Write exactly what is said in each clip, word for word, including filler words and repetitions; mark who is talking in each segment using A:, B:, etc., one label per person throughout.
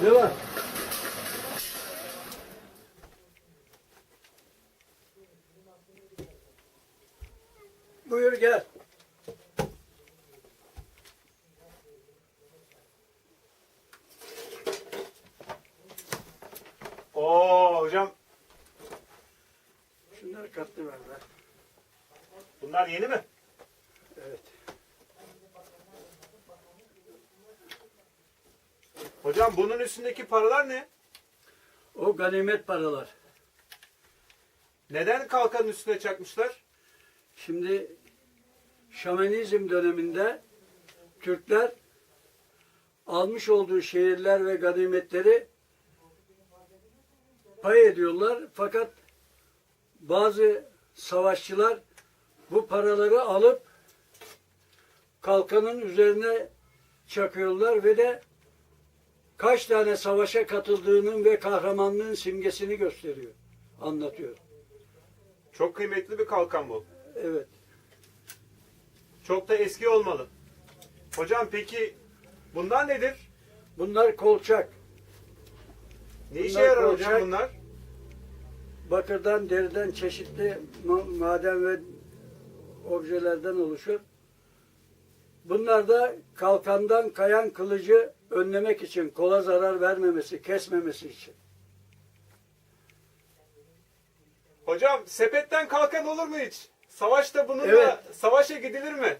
A: Ne var? Buyur gel.
B: Oo hocam,
A: Şunları katlı ver be.
B: bunlar yeni mi?
A: Evet.
B: Hocam bunun üstündeki paralar ne?
A: O ganimet paralar.
B: Neden kalkanın üstüne çakmışlar?
A: Şimdi Şamanizm döneminde Türkler almış olduğu şehirler ve ganimetleri pay ediyorlar. Fakat bazı savaşçılar bu paraları alıp kalkanın üzerine çakıyorlar ve de kaç tane savaşa katıldığının ve kahramanlığın simgesini gösteriyor, anlatıyor.
B: Çok kıymetli bir kalkan bu.
A: Evet.
B: Çok da eski olmalı. Hocam peki bunlar nedir?
A: Bunlar kolçak.
B: Ne işe
A: Bunlar
B: yarar
A: kolçak.
B: hocam bunlar?
A: Bakırdan, deriden çeşitli ma- maden ve objelerden oluşur. Bunlar da kalkandan kayan kılıcı önlemek için, kola zarar vermemesi, kesmemesi için.
B: Hocam sepetten kalkan olur mu hiç? Savaşta bununla
A: Evet.
B: savaşa gidilir mi?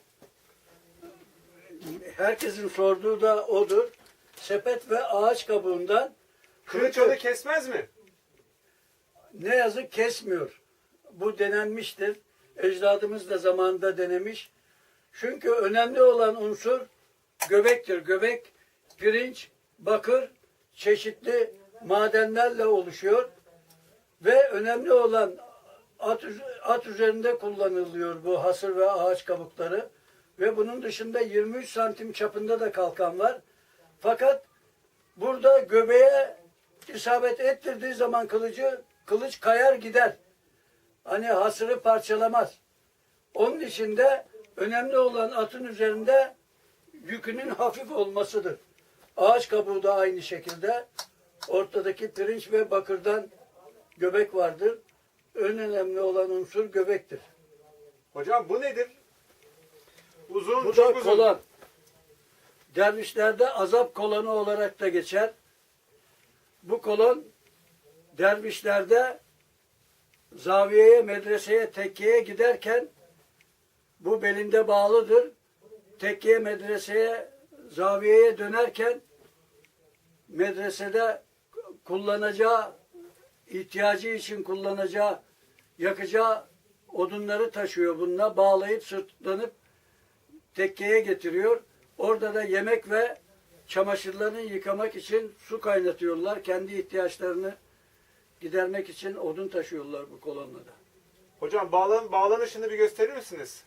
A: Herkesin sorduğu da odur. Sepet ve ağaç kabuğundan
B: Kılıç onu kesmez mi?
A: ne yazık kesmiyor. Bu denenmiştir. Ecdadımız da zamanında denemiş. Çünkü önemli olan unsur göbektir. Göbek, pirinç, bakır, çeşitli madenlerle oluşuyor. Ve önemli olan at, at üzerinde kullanılıyor bu hasır ve ağaç kabukları. Ve bunun dışında yirmi üç santim çapında da kalkan var. Fakat burada göbeğe isabet ettirdiği zaman kılıcı, kılıç kayar gider. Hani hasırı parçalamaz. Onun için de önemli olan atın üzerinde yükünün hafif olmasıdır. Ağaç kabuğu da aynı şekilde. Ortadaki pirinç ve bakırdan göbek vardır. En önemli olan unsur göbektir.
B: Hocam bu nedir? Uzun,
A: Bu
B: çok
A: da
B: uzun.
A: kolan. Dervişlerde azap kolanı olarak da geçer. Bu kolon dervişlerde zaviyeye, medreseye, tekkeye giderken bu belinde bağlıdır. Tekkeye, medreseye, zaviyeye dönerken medresede kullanacağı, ihtiyacı için kullanacağı, yakacağı odunları taşıyor bununla. Bağlayıp sırtlanıp tekkeye getiriyor. Orada da yemek ve çamaşırlarını yıkamak için su kaynatıyorlar. Kendi ihtiyaçlarını gidermek için odun taşıyorlar bu kolonla da.
B: Hocam bağlan, bağlanışını bir gösterir misiniz?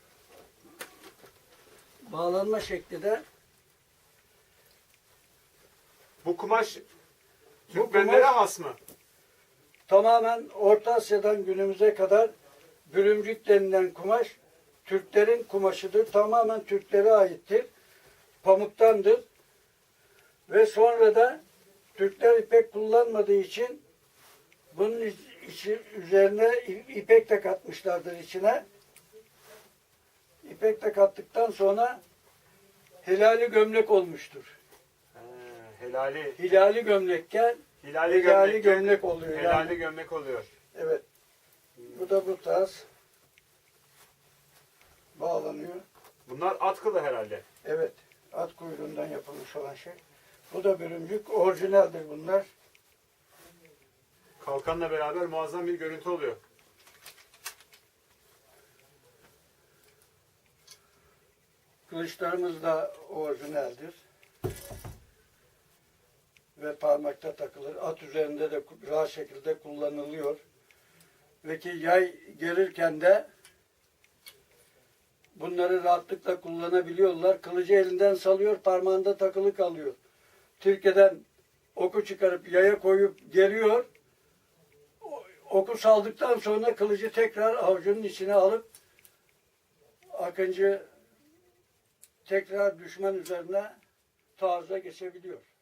A: Bağlanma şekli de
B: Bu kumaş
A: Bu
B: Türkmenlere
A: kumaş-
B: has mı?
A: tamamen Orta Asya'dan günümüze kadar bürümcük denilen kumaş Türklerin kumaşıdır. Tamamen Türklere aittir. Pamuktandır. Ve sonra da Türkler ipek kullanmadığı için bunun içi, üzerine ipek de katmışlardır içine. İpek de kattıktan sonra hilali gömlek olmuştur.
B: He, helali.
A: Hilali gömlekken
B: Hilali,
A: hilali
B: gömlek,
A: gömlek oluyor.
B: Helali
A: Yani.
B: gömlek oluyor.
A: Evet. Bu da bu tarz bağlanıyor.
B: Bunlar at kılı herhalde.
A: Evet. At kuyruğundan yapılmış olan şey. Bu da bürümcük. Orijinaldir bunlar.
B: Kalkanla beraber muazzam bir görüntü oluyor.
A: Kılıçlarımız da orijinaldir. Ve parmakta takılır. At üzerinde de rahat şekilde kullanılıyor. Ve ki yay gerirken de bunları rahatlıkla kullanabiliyorlar. Kılıcı elinden salıyor, parmağında takılı kalıyor. Türkiye'den oku çıkarıp yaya koyup geriyor. Oku saldıktan sonra kılıcı tekrar avucunun içine alıp Akıncı tekrar düşman üzerine taarruza geçebiliyor.